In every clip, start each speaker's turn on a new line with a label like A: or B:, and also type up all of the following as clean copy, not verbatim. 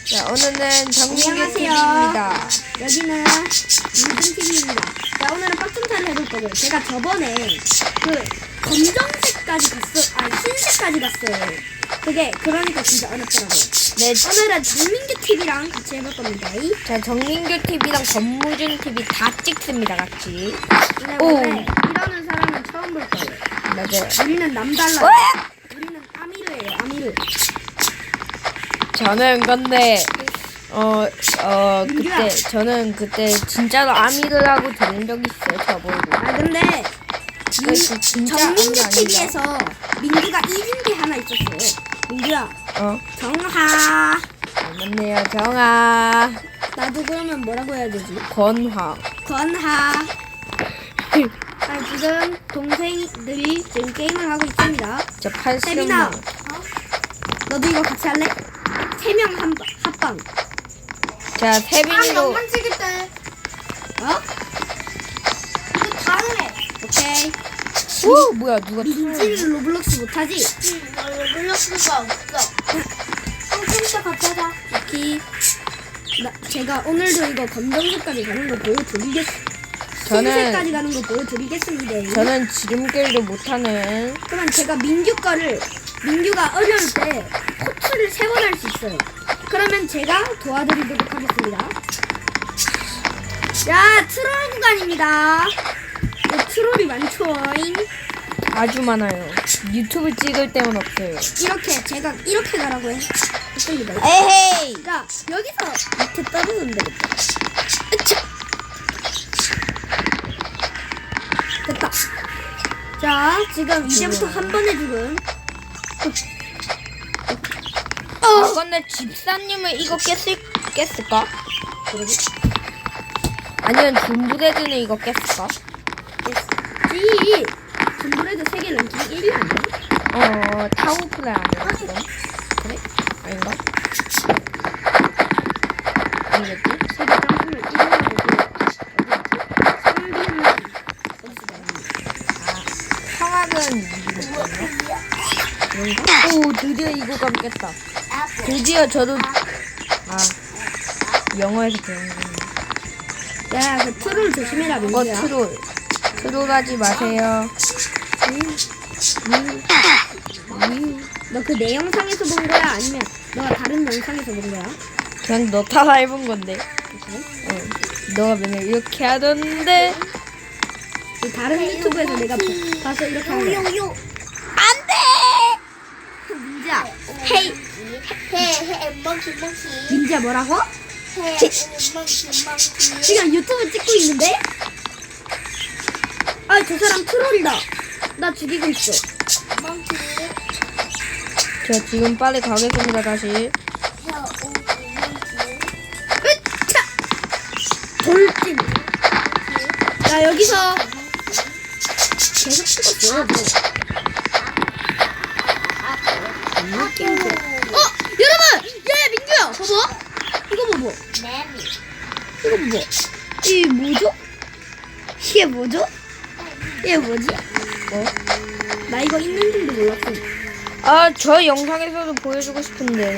A: 자, 오늘은 정민규
B: 안녕하세요.
A: TV입니다.
B: 여기는 민준TV입니다. 자, 오늘은 빡tum타를 해볼 거고요. 제가 저번에 그 검정색까지 흰색까지 갔어요. 그러니까 진짜 어렵더라고요.
A: 네,
B: 오늘은 정민규 TV랑 같이 해볼 겁니다.
A: 자, 정민규 TV랑 권무준 TV 다 찍습니다, 같이.
B: 근데
A: 오.
B: 원래 이러는 사람은 처음 볼 거예요.
A: 맞아요.
B: 우리는 남달라요.
A: 으악!
B: 우리는 아미르예요, 아미르.
A: 저는 근데,
B: 민규야.
A: 저는 그때 진짜로 아미르라고 들은 적이 있어요, 저보고.
B: 아, 근데
A: 진짜
B: 정민규
A: 아미가
B: TV에서 민규가 이긴 게 하나 있었어요. 민규야, 정하.
A: 맞네요, 정아.
B: 나도 그러면 뭐라고 해야 되지?
A: 권화.
B: 건하. 아, 지금 동생들이 지금 게임을 하고 있습니다.
A: 저 80만
B: 세빈아,
A: 원.
B: 너도 이거 같이 할래? 3명 합방.
A: 자, 세빈이도.
C: 찍을때
B: 어?
C: 이거 다음에
B: 오케이.
A: 오, 뭐야, 누가
B: 민지는 로블록스 못하지?
C: 나 놀릴 수가 없어. 컴퓨터 같이 하자.
B: 오케이. 제가 오늘도 이거 검정색까지 가는 거 보여드리겠습니다. 흰색까지 가는 거 보여드리겠습니다.
A: 저는 지름길도 못하는.
B: 그러면 제가 민규가 어려울 때 코트를 3번 할 수 있어요. 그러면 제가 도와드리도록 하겠습니다. 자, 트롤 구간입니다. 트롤이 많죠잉.
A: 아주 많아요. 유튜브 찍을 때는 없어요.
B: 제가 이렇게 가라고 했습니다.
A: 에헤이!
B: 자, 여기서 밑에 떨어지면 되겠다. 으차! 됐다. 자, 지금 이제부터 한 번에 죽음.
A: 아, 근데 집사님은 이거 깼을까?
B: 그러게.
A: 아니면 둠브레드는 이거 깼을까?
B: 지 둠브레드 세계 랭킹 1위 아니야?
A: 타워플레이 아니야, 그럼? 그래? 아닌가? 아니겠지?
B: 세계 점프를 1위라고
A: 성악은 이기겠네. 오, 드디어 이거 감 깼다. 드디어 저도, 영어에서 배운 거네.
B: 야, 그 트롤 조심해라, 민규야.
A: 트롤 하지 마세요.
B: 너 그 내 영상에서 본 거야? 아니면 너가 다른 영상에서 본 거야?
A: 그냥 너 따라 해본 건데. 너가 맨날 이렇게 하던데.
B: 그 다른 유튜브에서 내가 봐서 이렇게 하는 거야.
C: 요요.
A: 안 돼!
B: 민지야, 헤이.
C: 해 멍키.
B: 민지야 뭐라고?
C: 해 멍키.
B: 지금 유튜브 찍고 있는데? 아, 저 사람 트롤이다. 나 죽이고 있어.
C: 멍키.
A: 저 지금 빨리 가겠습니다, 다시.
B: 으차! 돌진. 나 여기서 계속 찍었어. 여러분! 야, 민규야! 봐봐! 이거 봐봐. 이거 봐봐. 이게 뭐죠? 이게 뭐죠? 이게 뭐지? 나 이거 있는 줄도 몰랐어.
A: 저 영상에서도 보여주고 싶은데.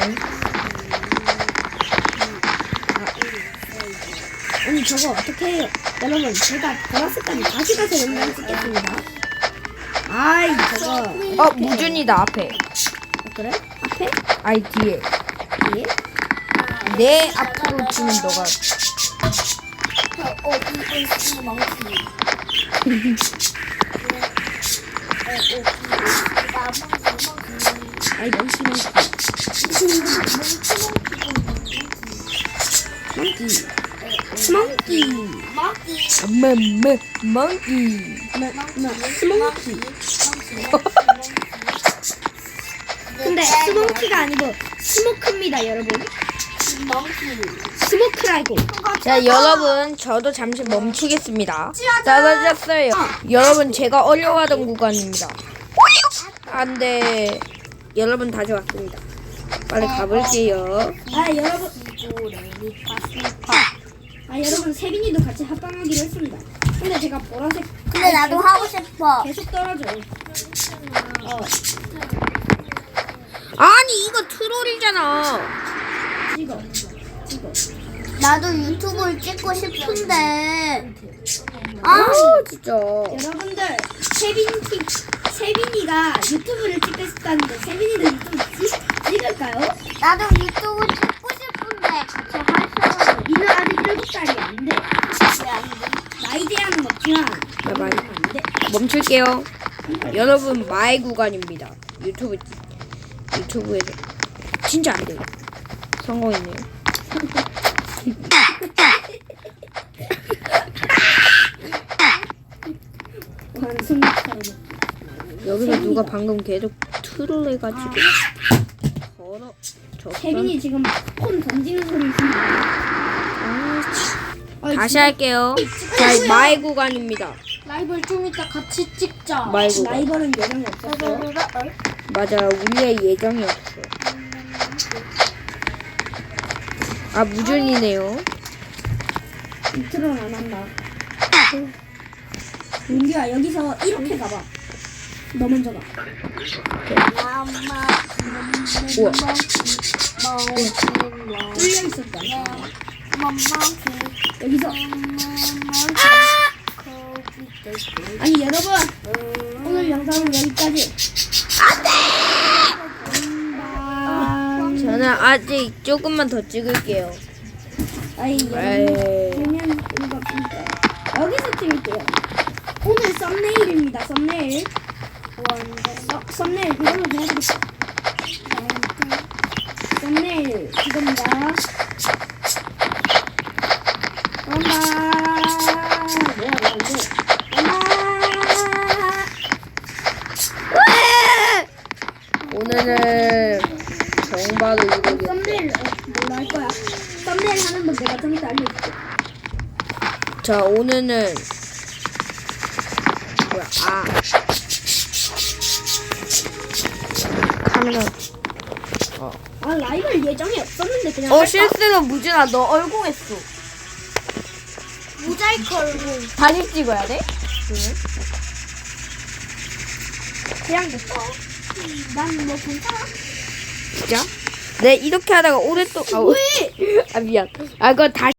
B: 아니, 저거 어떻게 해요? 여러분, 제가 보라색까지 다시 가서 영상 찍겠습니다. 아이, 저거.
A: 무준이다, 앞에.
B: 그래? 앞에?
A: 아이, 뒤에.
B: 뒤에?
A: 내 앞으로 치면 너가.
B: 아이, 멍키. 스몽키.
A: 멍키.
B: 스몽키. 근데 스몽키가 아니고 스모크입니다, 여러분. 스모크라고.
A: 자, 여러분, 저도 잠시 멈추겠습니다. 떨어졌어요. 여러분, 제가 어려워하던 구간입니다. 안 돼. 여러분, 다시 왔습니다. 빨리 가볼게요.
B: 여러분, 세빈이도 같이 합방하기로 했습니다. 근데 제가 보라색.
C: 근데 나도 하고 싶어.
B: 계속 떨어져요.
A: 아니, 이거 트롤이잖아.
B: 찍어.
C: 나도 유튜브를 찍고 싶은데.
A: 아 진짜.
B: 여러분들 세빈이가 유튜브를 찍겠다는데 세빈이도 유튜브 찍을까요?
C: 나도 유튜브 찍고 싶은데 같이 할 사람
B: 니는 아직 7살이 안 돼.
C: 왜안 돼?
B: 나이 제한은 없지만
A: 봐봐요.
B: 안 돼.
A: 멈출게요. 여러분 마의 구간입니다. 유튜브에서 진짜 안 돼요. 성공했네요.
B: 완승처럼.
A: 여기서 누가 방금 계속 트롤해가지고 걸어.
B: 세빈이 지금 폰 던지는 소리 있습니다.
A: 다시 할게요. 자, 마의 구간입니다.
C: 라이벌 좀 이따 같이 찍자.
A: 마의 구간.
B: 라이벌은 예정이 없었어요.
A: 맞아, 우리의 예정이 없어. 아, 무준이네요.
B: 인트로는 안 한다. 윤규야 여기서 이렇게 가봐. 너 먼저 가.
A: 우와.
B: 뚫려 있었다. 여기서 아니 여러분 오늘 영상은 여기까지.
A: 저는 아직 조금만 더 찍을게요.
B: 아이
A: 에이.
B: 그러면 이거 없으니까 여기서 찍을게요. 오늘 썸네일입니다. 썸네일. 썸네일 이걸로 해야겠다. 썸네일 이겁니다.
A: 오늘은 정바로 이루겠다.
B: 썸네일 뭘로 할 거야? 썸네일 하는 법 내가 좀 이따 알려줄게.
A: 자, 오늘은 뭐야? 아, 카메라.
B: 아 라이벌 예정이 없었는데 그냥 할까?
A: 실수로 무준아, 너 얼공했어.
C: 모자이크 얼굴.
A: 다시 찍어야 돼?
B: 그냥 됐어. 난 뭐 괜찮아.
A: 진짜? 네, 이렇게 하다가 오랫동안. 아, 미안. 아, 그거 다시.